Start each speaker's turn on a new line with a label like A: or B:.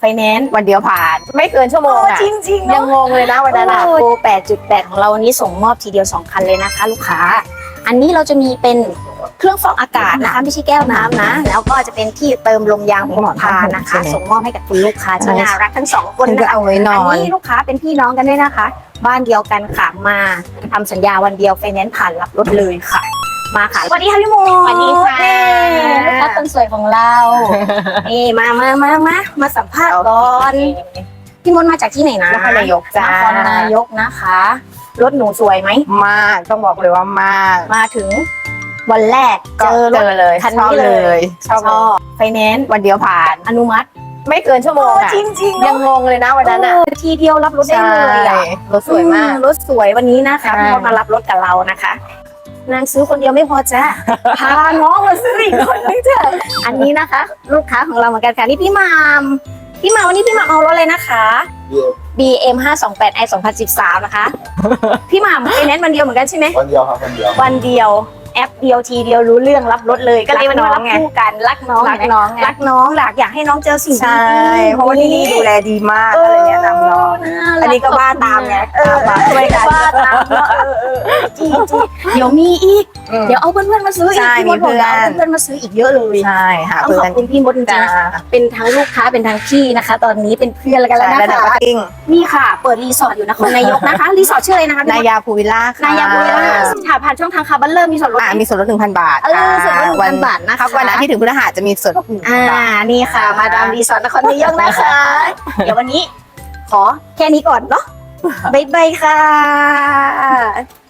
A: ไฟแนนซ์
B: วันเดียวผ่านไม่เกินชั่วโมงอ่ะ
A: จริงๆ
B: ยังงงเลยนะวันนั้น
A: โปร 8.8 ของเราวันนี้ส่งมอบทีเดียว2คันเลยนะคะลูกค้าอันนี้เราจะมีเป็นเครื่องฟอกอากาศนะคะไม่ใช่แก้วน้ำนะแล้วก็จะเป็นที่เติมลมยางของหมอพานะคะส่งมอบให้กับคุณลูกค้าที่น่ารักทั้ง2คนนะคะ
B: เอาไว้นอน
A: อันนี้ลูกค้าเป็นพี่น้องกันด้วยนะคะ บ้านเดียวกันค่ะมาทำสัญญาวันเดียวไฟแนนซ์ผ่านรับรถเลยค่ะ มาค่ะสวัสดีค่ะพี่โม
B: สวัสดีค่ะ
A: ลูกค้าคนสวยของเรานี่มาสัมภาษณ์ก่อนพี่มนต์มาจากที่ไหนนะ
B: นครนายกจ้าน
A: ครนายกนะคะรถหนูสวยไหม
B: มากต้องบอกเลยว่ามาก
A: มาถึงวันแรก
B: ก็
A: เจอรถ
B: เลย
A: คัน
B: ชอบ
A: นี้
B: เล
A: เลย
B: ยชอบ
A: ชอบไฟแนนซ์
B: วันเดียวผ่าน
A: อนุมัติ
B: ไม่เกินชั่วโมงอ่ะ
A: จริงๆ
B: ยังงงเลยนะวันนั้นอ่ะ
A: ทีเดียวรับรถได้เลยอ่ะ
B: รถสวยมาก
A: รถสวยวันนี้นะคะ
B: ใช่
A: พอมารับรถกับเรานะคะนางซื้อคนเดียวไม่พอจ้ะ พาน้องมาซื้ออีกคนนึงเถอะอันนี้นะคะ ลูกค้าของเราเหมือนกันค่ะนี่พี่หมามวันนี้พี่หมามเอารถเลยนะคะ BM 528 i 2013นะคะ พี่หมามไฟแนนซ์วันเดียวเหมือนกันใช่ไหม
C: วันเดียวครับวันเดียว
A: วันเดียวแอปเดียวทีเดียวรู้เรื่องรับรถเลยก็เลยวันนี้มารับคู่กันรักน้อง
B: รักน้องไง
A: รักน้องอยากให้น้องเจอสิ่ง
B: ใช่
A: ดีๆ
B: เพราะว่าที่นี่ดูแลดีมากอะไรเงี้ยนำน้อง อันนี้ก็บ้าตามไงตามมาช่วยกัน
A: บ้าตามเนาะจริงเดี๋ยวมีอีก เดี๋ยวเอาเพื่อนๆมาซื้ออีก
B: ใช่
A: พี่มดบอก
B: มีเพื่อน
A: เอาเพื่อนๆมาซื้ออีกเยอะเลย
B: ใช่หา
A: ต้อง
B: เพื่
A: ข
B: อ
A: อน บคุณพี่มดจริง
B: จ้า
A: ๆนะเป็นทั้งลูกค้าเป็นทั้งพี่นะคะ ตอนนี้เป็นเพื่อนกันแล้ว
B: ใช่
A: นะ
B: ระดับ
A: คะ
B: มาติ้ง
A: นี่ค่ะ เปิดรีสอร์ทอยู่นครนายกนะคะรีสอร์ทชื่ออะไรนะคะ
B: นายาภูวิลล่าค่ะ
A: นายาบุรีรัมย์ผ่านช่องทางคาร์บันเริ่มมีส่วนลด
B: มีส่วนลด 1,000 บาท
A: ส่วนลด1,000 บาทนะคะ
B: วันอาทิตย์ถึงพฤหัสจะมีส่วนลด1,000 บาท
A: นี่ค่ะ มาดามรีสอร์ทนครนายกนะคะ เดี๋ยววันนี้ขอแค่นี้ก่อนเนาะบ๊ายบายค่ะ